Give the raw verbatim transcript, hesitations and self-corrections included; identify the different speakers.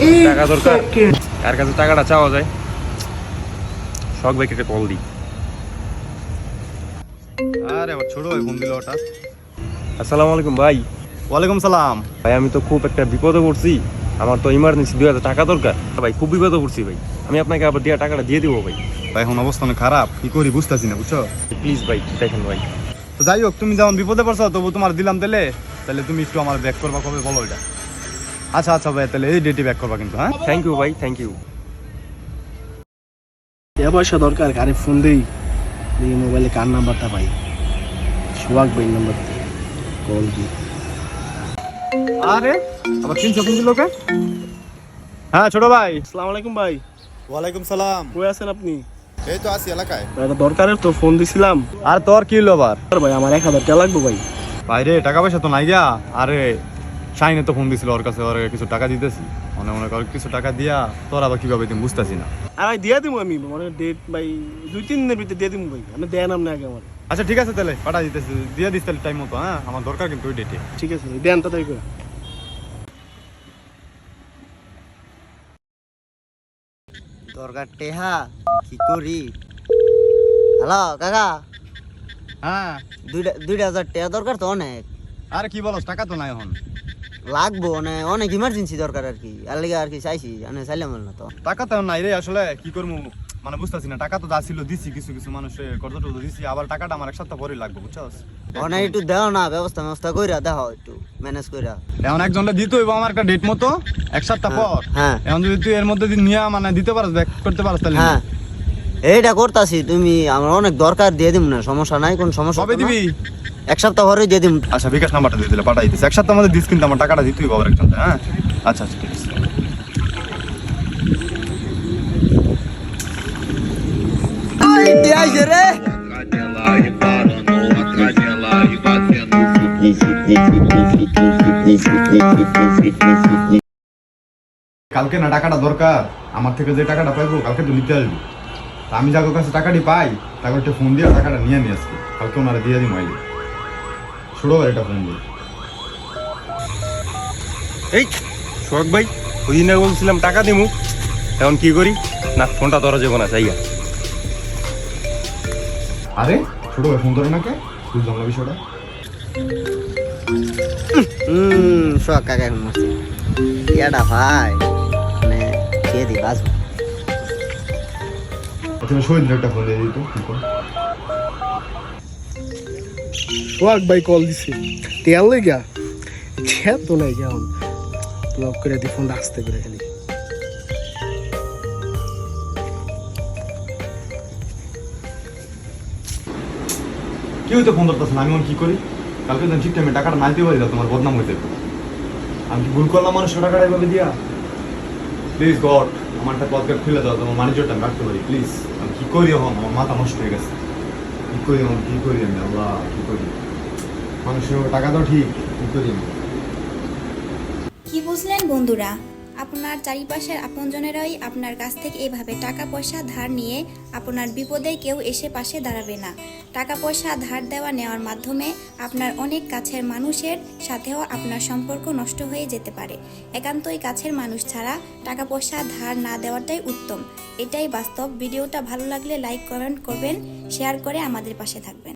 Speaker 1: টাকা দরকার, কার কাছে টাকাটা চাওয়া যায়? শখ ভাইকে একটা কল দিই।
Speaker 2: আরে আমার ছোট ভাই ফোন দিল হঠাৎ।
Speaker 1: আসসালামু আলাইকুম ভাই।
Speaker 2: ওয়ালাইকুম সালাম।
Speaker 1: ভাই আমি তো খুব একটা বিপদে পড়ছি, আমার তো ইমার্জেন্সি দুই হাজার টাকা দরকার ভাই, খুব বিপদে পড়ছি ভাই। আমি আপনাকে আবার দিয়ে টাকাটা দিয়ে দিব ভাই।
Speaker 2: ভাই এখন অবস্থা অনেক খারাপ, কি করি বুঝতেছি না, বুঝছো?
Speaker 1: প্লিজ ভাই দেখেন ভাই।
Speaker 2: তো যাই হোক, তুমি যেমন বিপদে পড়ছো তবু তোমার দিলাম তাহলে তাহলে তুমি একটু আমার ব্যাক করবা, কবে বলো এটা? আচ্ছা আচ্ছা ভাই, তাহলে এই ডেটে ব্যাক করবা কিন্তু। হ্যাঁ
Speaker 1: থ্যাংক ইউ ভাই, থ্যাংক ইউ।
Speaker 3: টাকা পয়সা দরকার, কারে ফোন দেই, এই মোবাইলে কার নাম্বারটা পাই, সোহাগ ভাই নাম্বার দিয়ে কল দিই।
Speaker 2: আরে আবার তিনশো ফোন দিল কে? হ্যাঁ ছোট ভাই।
Speaker 3: আসসালামু আলাইকুম ভাই।
Speaker 4: ওয়ালাইকুম সালাম।
Speaker 3: কই আছেন আপনি?
Speaker 4: এই তো আছি এলাকায়।
Speaker 3: ভাই একটা দরকারের তো ফোন দিছিলাম।
Speaker 2: আর তোর কি হলো আবার?
Speaker 3: আর ভাই আমার এক হাজার টাকা লাগবে ভাই।
Speaker 2: ভাই রে টাকা পয়সা তো নাই গা। আরে শাইনে তো ফোন দিছিল, ওর কাছে ওর কিছু টাকা দিতেছি, মনে মনে কর কিছু টাকা দিয়া তোর আবার কিভাবে তুমি বুঝতেছি না।
Speaker 3: আর ভাই দিয়ে দিব আমি, মানে ডেট ভাই দুই তিন দিনের ভিতরে দিয়ে দিব ভাই, আমি দেন আপনি আগে আমার।
Speaker 2: আচ্ছা ঠিক আছে, তাহলে পাঠা দিতেছি, দিয়ে দিস তাহলে টাইম মতো। হ্যাঁ আমার দরকার কিন্তু ওই ডেটে।
Speaker 3: ঠিক আছে ভাই, দেন তাড়াতাড়ি করে।
Speaker 5: দরকার টেহা কি করি? হ্যালো কাকা,
Speaker 2: হ্যাঁ
Speaker 5: দুইটা দুইটা হাজার টাকা দরকার তো অনেক
Speaker 2: আরে কি বলস, টাকা তো নাই এখন।
Speaker 5: লাগবো, মানে অনেক ইমার্জেন্সি দরকার আর কি, আর লেগে আর কি চাইছি, মানে চাইলাম না তো।
Speaker 2: টাকা তো নাই রে, আসলে কি করবো মানে বুঝতেছি না। টাকা তো যা ছিল দিছি, কিছু কিছু মানুষের কত টত দিছি, আবার টাকাটা আমার এক সপ্তাহ পরে লাগবে, বুঝছস?
Speaker 5: অনেক একটু দেও না, ব্যবস্থা ব্যবস্থা কইরা দেখো, একটু ম্যানেজ কইরা।
Speaker 2: এখন একজনটা দিতে হইব আমার একটা ডেট মতো এক সপ্তাহ পর।
Speaker 5: হ্যাঁ
Speaker 2: এখন যদি তুই এর মধ্যে নিয়ে মানে দিতে পারস, ব্যাক করতে পারস তাহলে
Speaker 5: হ্যাঁ, এইটা করতাছি, তুমি আমার অনেক দরকার, দিয়ে দিব না, সমস্যা নাই, কোন সমস্যা
Speaker 2: কবে দিবি?
Speaker 5: এক সপ্তাহ পরে দিয়ে দিব।
Speaker 2: আচ্ছা বিকাশ নাম্বারটা দিয়ে দিলে পাঠাই দিস, এক সপ্তাহ মধ্যে দিস কিন্তু আমার টাকাটা দিতে হইব আবার একজন। হ্যাঁ আচ্ছা আচ্ছা ঠিক আছে।
Speaker 5: রে
Speaker 2: কালকে না টাকাটা দরকার, আমার থেকে যে টাকাটা পাইবো কালকে তো নিতে আসবি। তা আমি যাকে কাছে টাকাটি পাই তাকে একটা ফোন দিয়ে টাকাটা নিয়ে নিয়ে আসবি, কালকে ওনারা দিয়ে দিই মাইলি। ছোটো ভাই একটা ফোন দিই।
Speaker 1: এই শখ ভাই, ওই দিন বলছিলাম টাকা দিমু, এখন কি করি? না ফোনটা ধরা যাবো না, চাইয়া।
Speaker 2: আরে ছোটো ভাই ফোন ধরে না কে? বুঝলাম না বিষয়টা।
Speaker 5: হুম শখ কাকা এখন মারছি ইয়াটা ভাই, মানে খেয়ে দিই বাঁচবো।
Speaker 2: আচ্ছা শহীদ একটা ফোন দিয়ে দিত।
Speaker 3: সোহাগ ভাই কল দিছে, তেল লেগা ছেদ তো নাই কেমন, ব্লক করে দি ফোনটা আসতে করে খালি।
Speaker 2: কি হইতে ফোন ধরতেছ না? আমি এখন কি করি? কালকে তো ঠিক টাইমে টাকাটা না দিতে পারি, তোমার বদনাম হইতে। আমি কি ভুল করলাম মানুষের টাকাটা এভাবে দিয়া? প্লিজ গড আমারটা পদকার খুলে দাও, তোমার ম্যানেজারটা আমি রাখতে পারি প্লিজ। আমি কি করি এখন? আমার মাথা নষ্ট হয়ে গেছে। কি করি এখন? কি করি আমি? আল্লাহ কি করি? মানুষের টাকা দাও ঠিক, কি করি আমি?
Speaker 6: কি বুঝলেন বন্ধুরা? আপনার চারিপাশের আপনজনেরাই আপনার কাছ থেকে এভাবে টাকা পয়সা ধার নিয়ে আপনার বিপদে কেউ এসে পাশে দাঁড়াবে না। টাকা পয়সা ধার দেওয়া নেওয়ার মাধ্যমে আপনার অনেক কাছের মানুষের সাথেও আপনার সম্পর্ক নষ্ট হয়ে যেতে পারে। একান্তই কাছের মানুষ ছাড়া টাকা পয়সা ধার না দেওয়াটাই উত্তম, এটাই বাস্তব। ভিডিওটা ভালো লাগলে লাইক কমেন্ট করবেন, শেয়ার করে আমাদের পাশে থাকবেন।